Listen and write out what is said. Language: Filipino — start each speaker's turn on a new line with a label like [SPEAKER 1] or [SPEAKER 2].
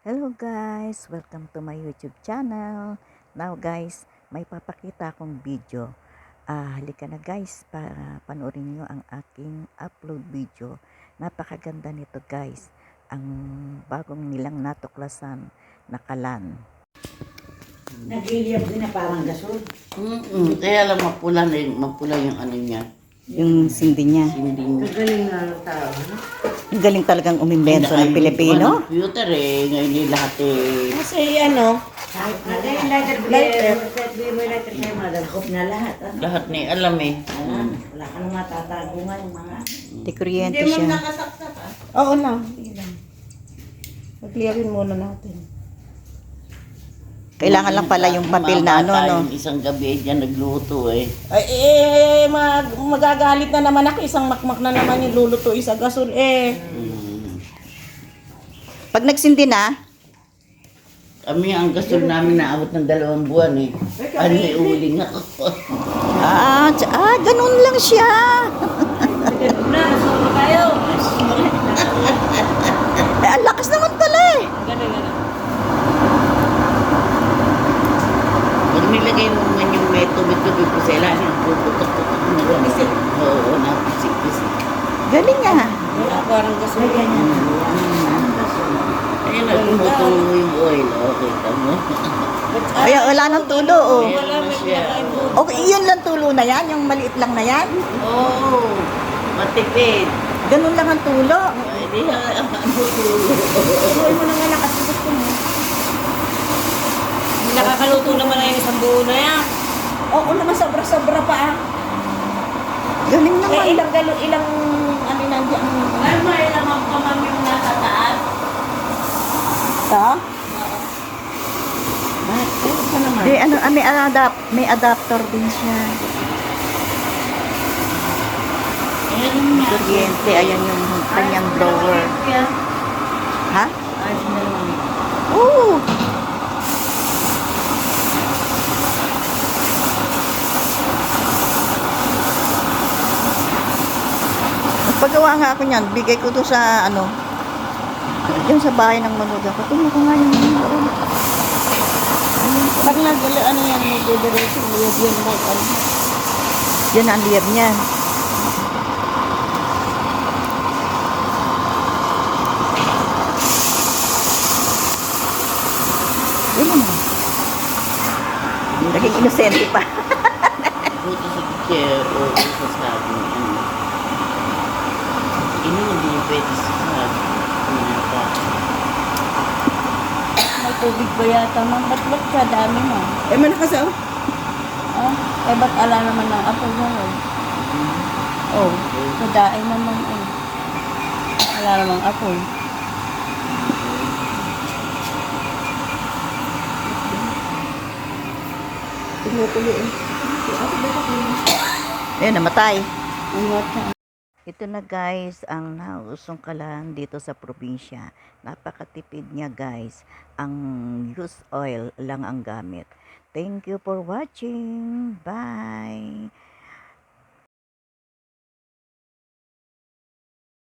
[SPEAKER 1] Hello guys! Welcome to my YouTube channel. Now guys, may papakita akong video. Halika na guys, para panoorin nyo ang aking upload video. Napakaganda nito guys. Ang bagong nilang natuklasan na kalan.
[SPEAKER 2] Nagliliyab din na parang gasol.
[SPEAKER 3] Kaya lang mapula yung ano niya.
[SPEAKER 1] Yung sindi niya.
[SPEAKER 3] Hindi niya.
[SPEAKER 2] Magaling na ng tao, no?
[SPEAKER 1] Ang galing talagang umimbento ng Pilipino.
[SPEAKER 3] Computer ngayon yung lahat
[SPEAKER 2] Kasi ano, lighter player, may lighter player, madagkop na lahat.
[SPEAKER 3] lahat na alam
[SPEAKER 2] Wala ka nang matatago nga yung mga...
[SPEAKER 1] Di kuryente siya.
[SPEAKER 2] nakasaksak Oo lang, hindi lang. Mag-clearin muna natin.
[SPEAKER 1] Kailangan lang pala yung papel na ano, no?
[SPEAKER 3] Yung isang gabi dyan nagluto
[SPEAKER 2] Magagalit na naman ako, isang makmak na naman yung luluto, isa gasol
[SPEAKER 1] Pag nagsindi na,
[SPEAKER 3] Kami ang gasol namin naabot ng 2 buwan Ano may uling ako.
[SPEAKER 1] ganun lang siya.
[SPEAKER 2] Na, nasulo kayo.
[SPEAKER 1] Ang lakas naman pala eh.
[SPEAKER 2] Gano'n.
[SPEAKER 3] Pag nilagay mo naman yung may tubig-tubig ko sa ilalim, puputok-putok na gano'n. Oo, napisik-pisik.
[SPEAKER 1] Galing nga.
[SPEAKER 2] Parang gasol ganyan.
[SPEAKER 3] Ayun, nagtumutulo yung oil. Okay, tamo.
[SPEAKER 1] Ay, wala nang tulo, oh.
[SPEAKER 3] Wala na siya.
[SPEAKER 1] Okay, yun lang tulo na yan, yung maliit lang na yan.
[SPEAKER 3] Oo, matipid.
[SPEAKER 1] Ganun lang ang tulo.
[SPEAKER 3] Hindi ang tulo.
[SPEAKER 2] Tuloy mo na nga nakasubos ko mo. Nakakaluto naman na yung isang buo na yan. Oo naman, sobra-sobra pa ah.
[SPEAKER 1] Galing naman.
[SPEAKER 2] Ilang ano nandiyan. Ay, may ilang ang pamam yung nasa taas.
[SPEAKER 1] Ito?
[SPEAKER 2] Ano pa naman?
[SPEAKER 1] Di, may adapter din siya. Kuryente, ayan yung kanyang blower. Ha?
[SPEAKER 2] Ayos na naman.
[SPEAKER 1] Oo. Nagpagawa nga ako niyan, bigay ko to sa ano, yung sa bahay ng manuga ko. Tingnan ko nga yung manuga.
[SPEAKER 2] Pag nagdala, ano yan, nagdidiretso, liyab yan mo.
[SPEAKER 1] Yan ang liyab niya. Yan naman. Naging inosente pa.
[SPEAKER 3] Buto sa chair o sa sabi. Hindi pwede sa sabi.
[SPEAKER 2] May tubig ba yata, ma'am? Ba't ka dami, ma'am?
[SPEAKER 1] Malakas oh.
[SPEAKER 2] Ba't ala naman ng apo mo, Oh, kadain naman, Wala namang apoy.
[SPEAKER 1] Ayun, namatay.
[SPEAKER 2] Ang wata.
[SPEAKER 1] Ito na guys, ang nausong kalan dito sa probinsya. Napakatipid niya guys. Ang used oil lang ang gamit. Thank you for watching. Bye!